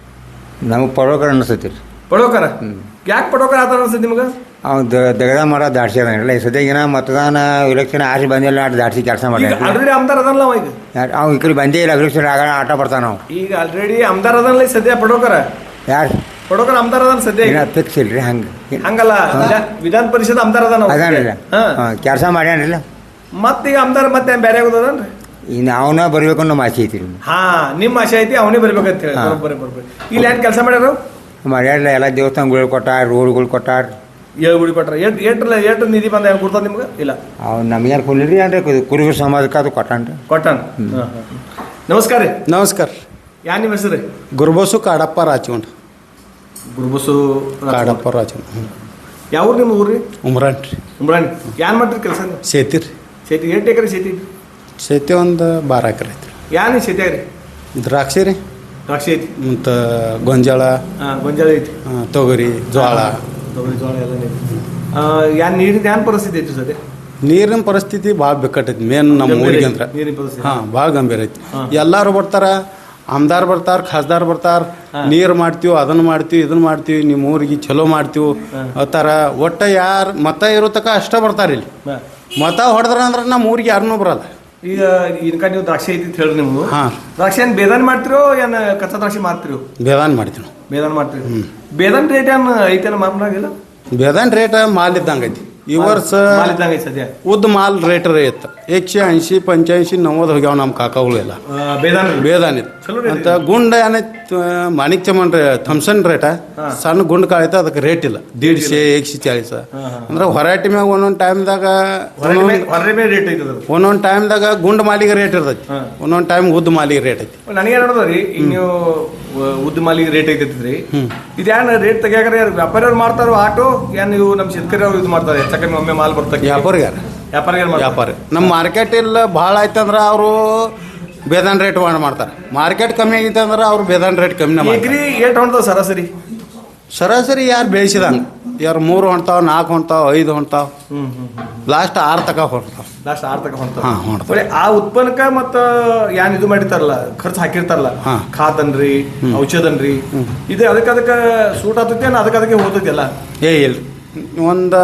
ನಮಗೆ ಪೌಳಗರ್ ಅನಿಸ್ತೈತಿ ರೀ
ಪಡೋಕರ ಯಾಕೆ ಪಡೋಕರ ಆತರ ಅನಿಸ್ತೈತಿ ನಿಮ್ಗೆ
ಅವ್ನು ದಗದ ಮರ ದಾಡ್ಸಿ ಅದಾನಿಲ್ಲ ಈ ಸದ್ಯಗಿನ ಮತದಾನ ಇಲೆಕ್ಷನ್ ಆಸಿ ಬಂದಿಲ್ಲ ಅಷ್ಟು ದಾಡ್ಸಿ ಕೆಲಸ
ಈಗ
ಮಾಡ್ಯಾನ
ಆಲ್ರೆಡಿ ಆಮ್ದಾರ್ ಅದಲ್ಲ ಅವ ಈಗ
ಅವ್ ಈ ಕಡೆ ಬಂದೇ ಇಲ್ಲ ಇಲೆಕ್ಷನ್ ಆಗ ಆಟ ಬರ್ತಾನ ನಾವು
ಈಗ ಆಲ್ರೆಡಿ ಆಮ್ದಾರ್ ಅದಲ್ಲ ಈಗ ಸದ್ಯ ಪಡೋಕರ
ಯಾರು
ಪಡೋಕರ ಆಮ್ದಾರ್ ಅದಲ್ಲ ಸದ್ಯ ಈಗ.
ಇನ್ನ ಫಿಕ್ಸ್ ಇಲ್ರಿ ಹಂಗೆ
ಹಂಗಲ್ಲ ವಿಧಾನ- ವಿಧಾನ ಪರಿಷತ್ ಆಮ್ದಾರ್ ಅದಾನ ಅವ.
ಅದಾನಿಲ್ಲ
ಹಾ
ಹಾಂ ಕೆಲಸ ಮಾಡ್ಯಾನಿಲ್ಲ
ಮತ್ತೀಗ ಆಮ್ದಾರ್ ಮತ್ತೆ ಬೇರೆ ಆಗೋದನ್ರಿ
ಇನ್ನು ಅವನ ಬರಬೇಕು ಅನ್ನೋ ಆಸೆ ಐತಿ ರೀ
ಹಾ ನಿಮ್ಮ ಆಶೆ ಐತಿ ಅವನೇ ಬರ್ಬೇಕಂತ ಹೇಳಿ
ಹಾ.
ಬರೋಬ್ಬರಿ ಬರೋಬ್ಬರಿ ಇಲ್ಲಿ ಏನ್ ಕೆಲಸ ಮಾಡ್ಯಾರ
ಮಾಡ್ಯಾಡಿಲ್ಲ ಎಲ್ಲ ದೇವಸ್ಥಾನಗಳು ಕೊಟ್ಟಾರ ರೋಡ್ಗಳು ಕೊಟ್ಟಾರ
ಏಳು ಗುಡಿ ಕೊಟ್ರ ಎಷ್ಟು ಏಟ್ರಲ್ಲ ಎಷ್ಟು ನಿಧಿ ಬಂದ ಏನು ಕೊಡ್ತಾರ ನಿಮ್ಗೆ ಇಲ್ಲ
ಅವ್ನು ನಮ್ಗೇನು ಕೊಡ್ಲಿರಿ ಅಂದ್ರೆ ಕುರುಬರ ಸಮಾಜಕ್ಕೆ ಅದು ಕೊಟ್ಟಾನ್ರಿ
ಕೊಟ್ಟಾನ ನಮಸ್ಕಾರ ರೀ
ನಮಸ್ಕಾರ
ಯಾ ನಿಮ್ಮ ಹೆಸರು ರೀ
ಗುರುಬಸು ಕಾಡಪ್ಪ ರಾಚಗೊಂಡ
ಗುರುಬಸು
ಕಾಡಪ್ಪ ರಾಚಗೊಂಡ
ಯಾವ ಊರು ನಿಮ್ಮ ಊರು ರೀ
ಉಮ್ರಾನ್ ರೀ
ಉಮ್ರಾಣಿ ಯಾನ್ ಮಾಡ್ತೀರಿ ಕೆಲಸ
ಸೇತಿ ರೀ
ಶೇತಿ ಎಷ್ಟು ಎಕರೆ ಶೇತಿ
ಸೇತಿ ಒಂದು ಬಾರ ಎಕರೆ ಐತ್ರಿ
ಯಾನ್ ಶೇತಿ ರೀ
ದ್ರಾಕ್ಷಿ ರೀ
ದ್ರಾಕ್ಷಿ ಐತಿ
ಮತ್ತು ಗೊಂಜಾಳ
ಹಾಂ ಗೊಂಜಾಳ ಐತಿ
ಆ, ತೊಗರಿ ಜೋಳ
ತೊಗರಿ ಜೋಳ ಎಲ್ಲ ಐತಿ ಯಾನ್ ನೀರಿನ ಯಾನ್ ಪರಿಸ್ಥಿತಿ ಐತಿ ಸದ್ಯ
ನೀರಿನ ಪರಿಸ್ಥಿತಿ ಭಾಳ ಬಿಕ್ಕಟ್ಟೈತಿ ಮೇನ್ ನಮ್ಮ
ಗಂಭೀರ
ಊರಿಗೆ
ಐತಿ,
ಅಂದ್ರೆ
ನೀರಿನ ಪರಿಸ್ಥಿತಿ.
ಹಾಂ ಭಾಳ ಗಂಭೀರ ಐತಿ
ಹಾ.
ಎಲ್ಲರೂ ಬರ್ತಾರ ಆಮ್ದಾರ್ ಬರ್ತಾರ ಖಾಸ್ದಾರ್ ಬರ್ತಾರ ನೀರು ಮಾಡ್ತೀವಿ ಅದನ್ನ ಮಾಡ್ತೀವಿ ಇದನ್ನ ಮಾಡ್ತೀವಿ ನಿಮ್ಮ ಊರಿಗೆ ಚಲೋ ಮಾಡ್ತೀವಿ ಅತ್ತಾರ ಒಟ್ಟ ಯಾರು ಮತ ಇರೋ ತಕ ಅಷ್ಟ ಬರ್ತಾರ ಇಲ್ಲಿ
ಹಾ.
ಮತ ಹೊಡೆದ್ರ ಅಂದ್ರೆ ನಮ್ಮ ಊರಿಗೆ ಯಾರನ್ನೂ ಬರಲ್ಲ
ಈಗ ಇನ್ಕ ನೀವು ದ್ರಾಕ್ಷಿ ಐತಿ ಅಂತ ಹೇಳ್ರಿ ನೀವು
ಹಾಂ
ದ್ರಾಕ್ಷಿ ಏನ್ ಬೇದಾನ್ ಮಾಡ್ತಿರೋ ಏನ್ ಕಚ್ಚಾ ದ್ರಾಕ್ಷಿ ಮಾರ್ತಿರೋ
ಬೇದಾನ್ ಮಾಡ್ತೀವಿ ನಾವು
ಬೇದಾನ್ ಮಾಡ್ತೀರಿ ಬೇದಾನ್ ರೇಟ್ ಏನ್ ಐತೇನ ಮಾರ್ನಾಗಿಲ್ಲ
ಬೇದಾನ್ ರೇಟ್ ಮಾಲ್ ಇದ್ದಂಗೆ ಐತಿ ಈ ವರ್ಷ
ಮಾಲ್ ಇದ್ದಂಗೆ ಐತೆ ಸದ್ಯ
ಉದ್ದ ಮಾಲ್ ರೇಟ್ ರೇಟ್ एकशे ऐंशी पंच्याऐंशी नव्वद ಹೋಗ್ಯಾವ ನಮ್ಮ ಕಾಕಾಗಳೆಲ್ಲ
ಆ, ಬೇದಾನ
ಬೇದಾನಿತ್
ಚಲೋ rate
ಅಂತ ಗುಂಡ ಏನೈತ್ ಮಾಣಿಕ್ ಚಮನ್ ಥಮ್ಸನ್ ರೇಟ ಸಣ್ಣ ಗುಂಡ್ ಕಾಳೈತೆ ಅದಕ್ಕೆ ರೇಟ್ ಇಲ್ಲ ದೀಡ್ಶೆ एकशे चाळीस ಅಂದ್ರೆ ಹೊರಾಟಿ ಮ್ಯಾಗ ಒಂದೊಂದು ಟೈಮ್ದಾಗ
ಹೊರಗೆ ಮೇಲೆ ರೇಟ್ ಐತದ
ಒಂದೊಂದು ಟೈಮ್ದಾಗ ಗುಂಡ್ ಮಾಲಿಗೆ ರೇಟ್ ಇರ್ತೈತಿ ಒಂದೊಂದು ಟೈಮ್ ಉದ್ದ ಮಾಲಿಗೆ ರೇಟ್ ಐತಿ
ನನಗೆ ನೋಡೋದ್ರಿ ಈಗ ನೀವು ವ- ಉದ್ದ ಮಾಲಿಗೆ ರೇಟ್ ಐತೈತ್ರಿ ಇದ್ಯಾನ ರೇಟ್ ತೆಗಿಯಾಕ್ರ ವ್ಯಾಪಾರಿಯವ್ರು ಮಾಡ್ತಾರೋ ಆಟೋ ಏನ್ ನೀವು ನಮ್ಮ ಶೇತಕರಿ ಅವ್ರು ಇದು ಮಾಡ್ತಾರೆ ಹೆಚ್ಚ ಕಮ್ಮಿ ಒಮ್ಮೆ ಮಾಲ್ ಬರ್ತಾರೆ
ವ್ಯಾಪಾರಿಗಾರ
ವ್ಯಾಪಾರಿಗಳು
ವ್ಯಾಪಾರಿ ನಮ್ಮ ಮಾರ್ಕೆಟ್ ಇಲ್ಲ ಭಾಳ ಆಯ್ತಂದ್ರೆ ಅವರು ಬೇದಾನ್ ರೇಟ್ ಮಾಡಿ ಮಾಡ್ತಾರೆ ಮಾರ್ಕೆಟ್ ಕಮ್ಮಿ ಆಗೈತೆ ಅಂದ್ರೆ ಅವ್ರು ಬೇದಾನ್ ರೇಟ್ ಕಮ್ಮಿ ಮಾಡ್ತಾರೆ
ಎಗ್ರಿ ಏಟ್ ಹೊಂಟದ ಸರಾಸರಿ
ಸರಾಸರಿ ಯಾರು ಬೆಳೆಸಿದಂಗೆ ಯಾರು ಮೂರು ಹೊಣ್ತಾವ ನಾಲ್ಕು ಹೊಣ್ತಾವ ಐದು ಹೊಣ್ತಾವ ಲಾಸ್ಟ್ ಆರು ತಕ ಹೊಣ್ತಾವ
ಲಾಸ್ಟ್ ಆರ್ ತಕ ಹೊಂಟದ
ಹಾ, ಹೊಂಟ್ತದ.
ಬರೀ ಆ ಉತ್ಪನ್ನಕ್ಕ ಮತ್ತ ಏನ್ ಇದು ಮಾಡಿರ್ತಾರಲ್ಲ ಖರ್ಚು ಹಾಕಿರ್ತಾರಲ್ಲ
ಹಾ.
ಖಾತನ್ರಿ ಔಷಧನ್ರಿ ಇದು ಅದಕ್ಕೆ ಅದಕ್ಕೆ ಸೂಟ್ ಆಗ್ತೈತಿ ಅದಕ್ಕೆ ಅದಕ್ಕೆ ಹೋಗ್ತೈತಿ ಅಲ್ಲ
ಏ ಇಲ್ರಿ ಒಂದು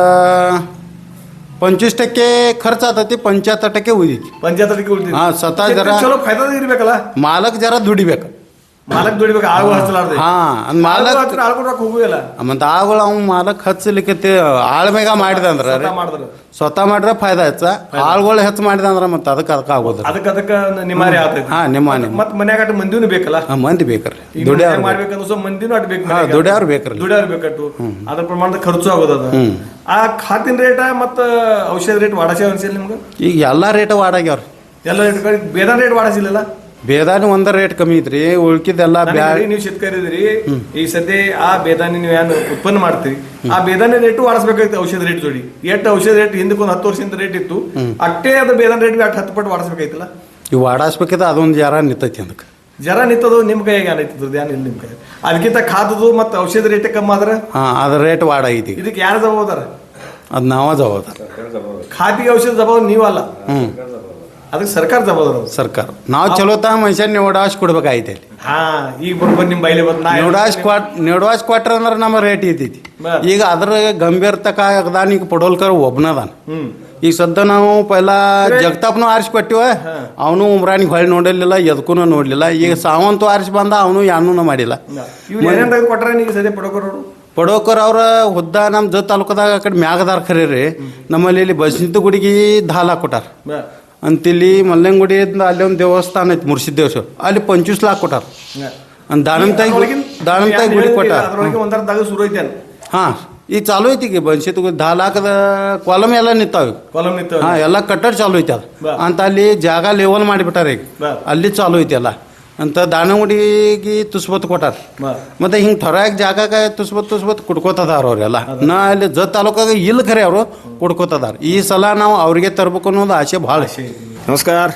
पंचवीस टक्के खर्च आतती पंच्याहत्तर टक्के उಳಿದೈತಿ
ಪಂಚಾಯತ್ ಅದಕ್ಕೆ ಉಳಿತೈತಿ
ಹಾ, ಸ್ವತಃ ಜರ-
ಚಲೋ ಫಾಯ್ದಾ ಇರ್ಬೇಕಲ್ಲ
ಮಾಲಕ್ ಜರ ದುಡಿಬೇಕು
ಮಾಲಕ್ ದುಡಿಬೇಕು ಆಳು ಹಚ್ಚಲಾರ್ದೆ
ಹಾ ಅಂದ್ ಮಾಲಕ್
ಆಳ್ಕೊಂಡು ರೊಕ್ಕ ಹೋಗುದಿಲ್ಲ
ಮತ್ತು ಆಗಳು ಅವ್ನು ಮಾಲಕ್ ಹಚ್ಚಲಿಕ್ಕೆ ಆಳ್ಮೇಗ ಮಾಡಿದ ಅಂದ್ರೆ ರೀ,
ಮಾಡಿದ್ರು
ಸ್ವತಃ ಮಾಡ್ರೆ ಫಾಯ್ದಾ ಹೆಚ್ಚ ಆಳ್ಗಳು ಹೆಚ್ಚು ಮಾಡಿದ ಅಂದ್ರೆ ಮತ್ತೆ ಅದಕ್ಕೆ ಅದಕ್ಕೆ ಆಗೋದಿಲ್ಲ
ಅದಕ್ಕೆ ಅದಕ್ಕೆ ನಿಮಾರಿ ಆಗ್ತೈತಿ
ಹಾ ನಿಮ್ಮ ನಿಮ್ಮ
ಮತ್ ಮನ್ಯಾಗ ಅಟ್ ಮಂದಿನೂ ಬೇಕಲ್ಲ
ಹಾ, ಮಂದಿ ಬೇಕ್ರಿ
ಈಗ
ದುಡಿಯವ್ರು ಬೇಕು.
ಮಾಡ್ಬೇಕಂದ್ರೆ ಸ್ವಲ್ಪ ಮಂದಿನೂ ಅಟ್ ಬೇಕು
ಹಾ, ದುಡಿಯವ್ರು ಬೇಕ್ರಿ.
ದುಡಿಯವ್ರು ಬೇಕಟ್ಟು ಅದ್ರ ಪ್ರಮಾಣದ ಖರ್ಚು ಆಗೋದದ ಆ ಖಾತಿನ ರೇಟ ಮತ್ತ ಔಷಧ ರೇಟ್ ವಾಡಾಸಿ ಅನ್ಸಿಲ್ಲ ನಿಮ್ಗೆ
ಈಗ ಎಲ್ಲ ರೇಟ್ ವಾಡಾಗ್ಯಾವ್ರಿ
ಎಲ್ಲ ರೇಟ್ ಬೇರೆ ರೇಟ್ ವಾಡಾಸಿಲ್ಲ
ಬೇದಾನಿ ಒಂದ ರೇಟ್ ಕಮ್ಮಿ ಐತ್ರಿ ಉಳ್ಕಿದ್ದೆಲ್ಲ ಬ್ಯಾ
ನೀವು ಶೇತಕರಿ ಇದ್ರಿ ಈ ಸದ್ಯ ಆ ಬೇದಾನಿ ನೀವು ಏನು ಉತ್ಪನ್ನ ಮಾಡ್ತೀರಿ ಆ ಬೇದಾನಿ ರೇಟು ವಾಡಿಸ್ಬೇಕಾಗ್ತದೆ ಔಷಧ ರೇಟ್ ಜೋಡಿ ಎಷ್ಟು ಔಷಧ ರೇಟ್ ಹಿಂದಕ್ಕೆ ಒಂದು ಹತ್ತು ವರ್ಷದಿಂದ ರೇಟ್ ಇತ್ತು ಅಷ್ಟೇ ಅದು ಬೇದಾನಿ ರೇಟ್ ಅಷ್ಟು ಹತ್ತು ಪಟ್ಟು ವಾಡಿಸ್ಬೇಕಾಯ್ತಲ್ಲ
ಇವು ವಾಡಾಸ್ಬೇಕಿದ್ರೆ ಅದೊಂದು ಜರ ನಿಂತೈತಿ ಅದಕ್ಕೆ
ಜರ ನಿಂತದು ನಿಮ್ ಕೈಯಾಗ ಏನೈತದ ಏನಿಲ್ಲ ನಿಮ್ ಕೈ ಅದಕ್ಕಿಂತ ಖಾದದು ಮತ್ತು ಔಷಧ ರೇಟ್ ಕಮ್ಮಿ ಆದ್ರೆ
ಹಾಂ ಅದ್ರ ರೇಟ್ ವಾಡಾಗೈತಿ
ಇದಕ್ಕೆ ಯಾರು ಜವಾಬ್ದಾರ
ಅದು ನಾವ ಜವಾಬ್ದಾರ
ಖಾತಿಗೆ ಔಷಧ ಜವಾಬ್ದಾರ ನೀವಲ್ಲ
ಹ್ಞೂ
ಅದಕ್ಕೆ ಸರ್ಕಾರ ಜವಾಬ್ದಾರ
ಸರ್ಕಾರ ನಾವು ಚಲೋ ತಾ ಮನುಷ್ಯನ ನಿವಡಾಶ್ ಕೊಡ್ಬೇಕಾಯ್ತು ಇಲ್ಲಿ
ಹಾ ಈಗ ಬರ್ಬೋದು ನಿಮ್ ಬೈಲಿ ಬಂದ್ ನಾ
ನಿವಡಾಶ್ ಕ್ವಾಟ್ ನಿವಡಾಶ್ ಕ್ವಾಟ್ರ್ ಅಂದ್ರೆ ನಮ್ಮ ರೇಟ್ ಐತೈತಿ ಈಗ ಅದ್ರ ಗಂಭೀರತಕ ಅದಾನ ಈಗ ಪಡೋಲ್ಕರ್ ಒಬ್ಬನದಾನ
ಹ್ಮ್
ಈಗ ಸದ್ದ ನಾವು ಪೈಲ ಜಗತಾಪ್ನು ಆರಿಸಿ ಕೊಟ್ಟಿವ ಅವನು ಉಮ್ರಾನಿಗೆ ಹೊಳ್ಳಿ ನೋಡಿರ್ಲಿಲ್ಲ ಎದಕ್ಕೂ ನೋಡ್ಲಿಲ್ಲ ಈಗ ಸಾವಂತು ಆರಿಸಿ ಬಂದ ಅವನು ಯಾನೂ ಮಾಡಿಲ್ಲ
ಇವ್ರು ಏನೇನ್ ತೆಗೆದು ಕೊಟ್ರೆ ನೀವು ಸದ್ಯ ಪಡೋಕರೋರು
ಪಡೋಕರ್ ಅವ್ರ ಹುದ್ದ ನಮ್ಮ ಜ ತಾಲೂಕದಾಗ ಆ ಕಡೆ ಮ್ಯಾಗದಾರ ಖರೀ ರೀ ನಮ್ಮಲ್ಲಿ ಇಲ್ಲಿ ಬಸಂತ ಗುಡಿಗೆ ದಾಲ್ ಹಾಕೊಟ್ಟಾರ ಅಂತಿಲ್ಲಿ ಮಲ್ಲಂಗುಡಿಯಿಂದ ಅಲ್ಲಿ ಒಂದು ದೇವಸ್ಥಾನ ಐತಿ ಮುರ್ಸಿದ್ ದೇವಸ್ಥಾನ ಅಲ್ಲಿ ಪಂಚवीस लाख ಕೊಟ್ಟಾರ ಅಂದ್ ದಾನಂತಾಯಿ ದಾನಂತಾಯಿ ಗುಡಿ ಕೊಟ್ಟಾರ
ಅದ್ರೊಳಗೆ ಒಂದರ ದಾಗ ಶುರು ಐತೆ
ಹಾಂ ಈಗ ಚಾಲು ಐತಿ ಈಗ ಬನ್ಸಿತ್ ದಾ ಲಾಖದ ಕಾಲಮ್ ಎಲ್ಲ ನಿಂತಾವ ಈಗ
ಕಾಲಮ್ ನಿಂತ
ಹಾಂ ಎಲ್ಲ ಕಟ್ಟಡ ಚಾಲು ಐತಿ ಅದು ಅಂತ ಅಲ್ಲಿ ಜಾಗ ಲೆವೆಲ್ ಮಾಡಿಬಿಟ್ಟಾರ ಈಗ ಅಲ್ಲಿ ಚಾಲು ಐತಿ ಎಲ್ಲ ಅಂತ ದಾನಗುಡಿಗೆ ತುಸ್ಬತ್ ಕೊಟ್ಟಾರ ಮತ್ತೆ ಹಿಂಗೆ ಥೊರಾಗ ಜಾಗಾಗ ತುಸ್ಬತ್ ತುಸ್ಬತ್ ಕುಡ್ಕೋತದಾರ ಅವ್ರೆಲ್ಲ ನಾ ಅಲ್ಲಿ ಜತ್ ತಾಲೂಕಾಗ ಇಲ್ಲ ಖರೆ ಅವರು ಕುಡ್ಕೋತದಾರ ಈ ಸಲ ನಾವು ಅವ್ರಿಗೆ ತರ್ಬೇಕು ಅನ್ನೋದು ಆಸೆ ಭಾಳ
नमस्कार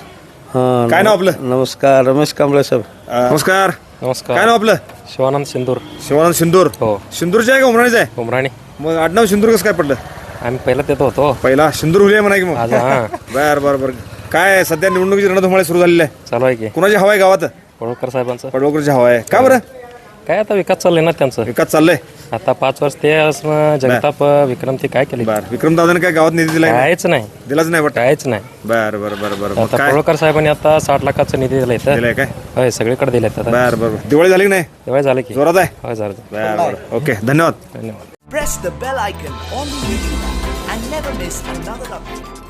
काय नाव आपलं
नमस्कार रमेश कांबळे साहेब
अ, नमस्कार
नमस्कार
काय नाव आपलं
शिवानंद सिंदूर
शिवानंद सिंदूर
हो
सिंदूरचे आहे का उमराणीचं आहे
उमराणी
मग आडनाव सिंदूर कसं काय पडलं
आम्ही पहिला देतो होतो
पहिला सिंदूर हुले म्हणा की मग
आज हां
बर बर बर काय आहे, सध्या निवडणुकीची रणधुमाळी सुरू झालेली आहे
चालू आहे की
कुणाची हवा आहे गावात
पडवळकर साहेबांचं
पडवकरची हवा आहे का बरं
काय आता विकास चाललंय ना त्यांचं
विकास चाललंय
आता पाच वर्ष ते असणं जगताप विक्रम ते काय केले
बर विक्रम दादाने काय गावात निधी दिलाय
कायच नाही
दिलाच नाही वाटतं
कायच नाही
बर बर बर बर मग
आता
काय
पडवळकर साहेबांनी आता साठ लाखाचा निधी दिला इथं
दिलाय काय
होय सगळीकडे दिलेत आता
बर बर बर. दिवाळी झाली की नाही
तेव्हा झालं की
जोरात आहे
होय झालं
बर बर ओके धन्यवाद
धन्यवाद
Press the bell icon on the YouTube app and never miss another update.